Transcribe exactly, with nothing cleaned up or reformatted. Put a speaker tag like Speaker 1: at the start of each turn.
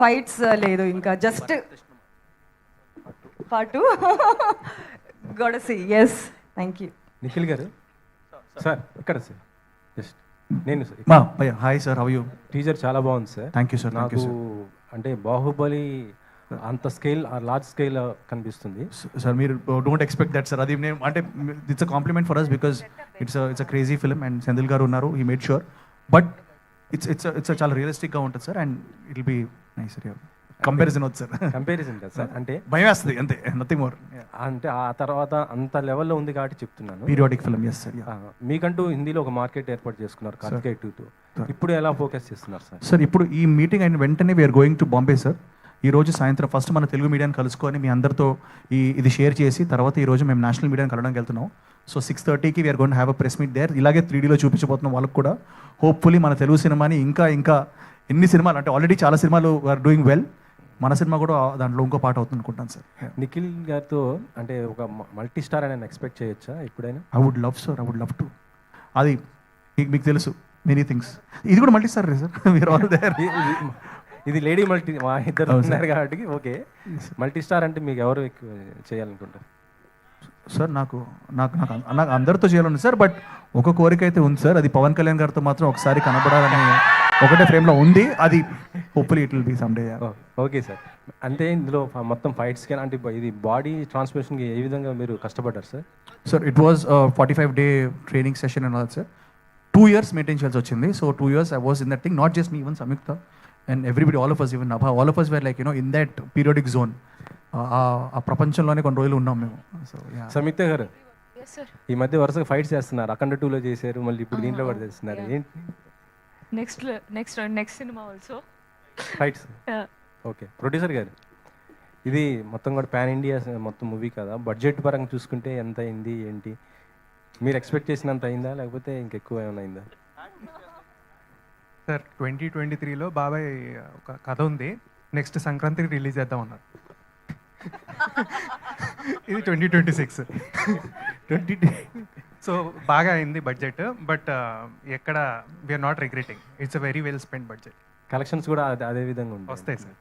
Speaker 1: Fights లేదు, ఇంకా just part two గొడసి. Yes, thank you.
Speaker 2: Nikhil garu sir ఇక్కడ సార్ జస్ట్ నేను సార్
Speaker 3: మా భయ్య hi sir, how you?
Speaker 2: Teaser చాలా బాగుంది sir.
Speaker 3: Thank you sir. Thank you
Speaker 2: నాకు అంటే బాహుబలి అంత స్కేల్ లార్జ్ స్కేల్ కనిపిస్తుంది
Speaker 3: సార్. మీరు డోంట్ ఎక్స్పెక్ట్ దట్ సార్. అది నేను అంటే it's a compliment for us because it's it's a crazy film and Senthil garu ఉన్నారు, he made sure. But it's it's it's చాలా రియలిస్టిక్గా ఉంటుంది sir and it will be nice sir. Comparison వద్దు sir,
Speaker 2: comparison కదా sir, అంటే
Speaker 3: భయం వేస్తుంది అంతే, నథింగ్ మోర్.
Speaker 2: అంటే ఆ తర్వాత అంత లెవెల్లో ఉంది కాబట్టి చెప్తున్నాను.
Speaker 3: Periodic film. Yes sir.
Speaker 2: మీకంటూ హిందీలో ఒక మార్కెట్ ఏర్పాటు చేసుకున్నారు కార్తికేయ టూ తో. ఇప్పుడు ఎలా ఫోకస్ చేస్తున్నారు సార్?
Speaker 3: సార్ ఇప్పుడు ఈ మీటింగ్ అయిన వెంటనే we're going to Bombay sir. ఈ రోజు సాయంత్రం ఫస్ట్ మన తెలుగు మీడియాని కలుసుకొని మీ అందరితో ఈ ఇది షేర్ చేసి తర్వాత ఈ రోజు మేము నేషనల్ మీడియాని కలవడానికి వెళ్తున్నాం. సో సిక్స్ థర్టీకి we're gonna have a press meet there. ఇలాగే త్రీ డీలో చూపించబోతున్నాం వాళ్ళకి కూడా. హోప్ఫుల్లీ మన తెలుగు సినిమాని ఇంకా ఇంకా ఎన్ని సినిమాలు అంటే ఆల్రెడీ చాలా సినిమాలు ఆర్ డూయింగ్ వెల్, మన సినిమా కూడా దాంట్లో ఇంకో పాట అవుతుంది అనుకుంటాను సార్.
Speaker 2: నిఖిల్ గారితో అంటే ఒక మల్టీ స్టార్ అని ఎక్స్పెక్ట్ చేయొచ్చా ఎప్పుడైనా?
Speaker 3: I would love sir, I would love to. అది మీకు మీకు తెలుసు మెనీ థింగ్స్. ఇది కూడా మల్టీ స్టార్ సార్. మీరు ఆల్ దేర్.
Speaker 2: ఇది లేడీ మల్టీ, మా ఇద్దరు ఉన్నారు కాబట్టి ఓకే. మల్టీ స్టార్ అంటే మీకు ఎవరు ఎక్కువ చేయాలనుకుంటారు
Speaker 3: సార్? నాకు నాకు నాకు నాకు అందరితో చేయాలని సార్, బట్ ఒక కోరిక అయితే ఉంది సార్. అది పవన్ కళ్యాణ్ గారితో మాత్రం ఒకసారి కనబడాలని ఒకటే ఫ్రేమ్లో ఉంది. అది hopefully it will be some day.
Speaker 2: Okay sir. అంటే ఇందులో మొత్తం ఫైట్స్ కానీ అంటే ఇది బాడీ ట్రాన్స్ఫర్మేషన్కి ఏ విధంగా మీరు కష్టపడ్డారు sir?
Speaker 3: Sir it was forty five day training session and all sir. Two years maintain చేయాల్సి వచ్చింది. So two years I was in that thing, not just me, even Samyuktha and everybody, all of us, even Nabha, all of us were like you know in that periodic zone. ఆ ప్రపంచంలోనే కొన్ని రోజులు ఉన్నాం మేము. So
Speaker 2: సంయుక్త గారు ఈ మధ్య వరుసగా ఫైట్స్ చేస్తున్నారు. అఖండ టూలో చేశారు, మళ్ళీ ఇప్పుడు దీంట్లో కూడా చేస్తున్నారు. ఏంటి
Speaker 4: నెక్స్ట్ నెక్స్ట్ నెక్స్ట్ సినిమా also
Speaker 2: fights? Okay. Producer garu ఇది మొత్తం కూడా పాన్ ఇండియా మొత్తం మూవీ కదా, బడ్జెట్ పరంగా చూసుకుంటే ఎంత అయింది ఏంటి? మీరు ఎక్స్పెక్ట్ చేసినంత అయిందా లేకపోతే ఇంకెక్కువ ఏమైనా అయిందా?
Speaker 5: సార్ ట్వంటీ ట్వంటీ త్రీలో బాబాయ్ ఒక కథ ఉంది, నెక్స్ట్ సంక్రాంతికి రిలీజ్ చేద్దాం అన్నారు. ఇది twenty twenty six twenty so బాగా అయింది బడ్జెట్, బట్ ఎక్కడ we're not regretting. It's a very well spend budget.
Speaker 2: Collections కూడా అదే అదే విధంగా ఉంటాయి
Speaker 5: వస్తాయి సార్.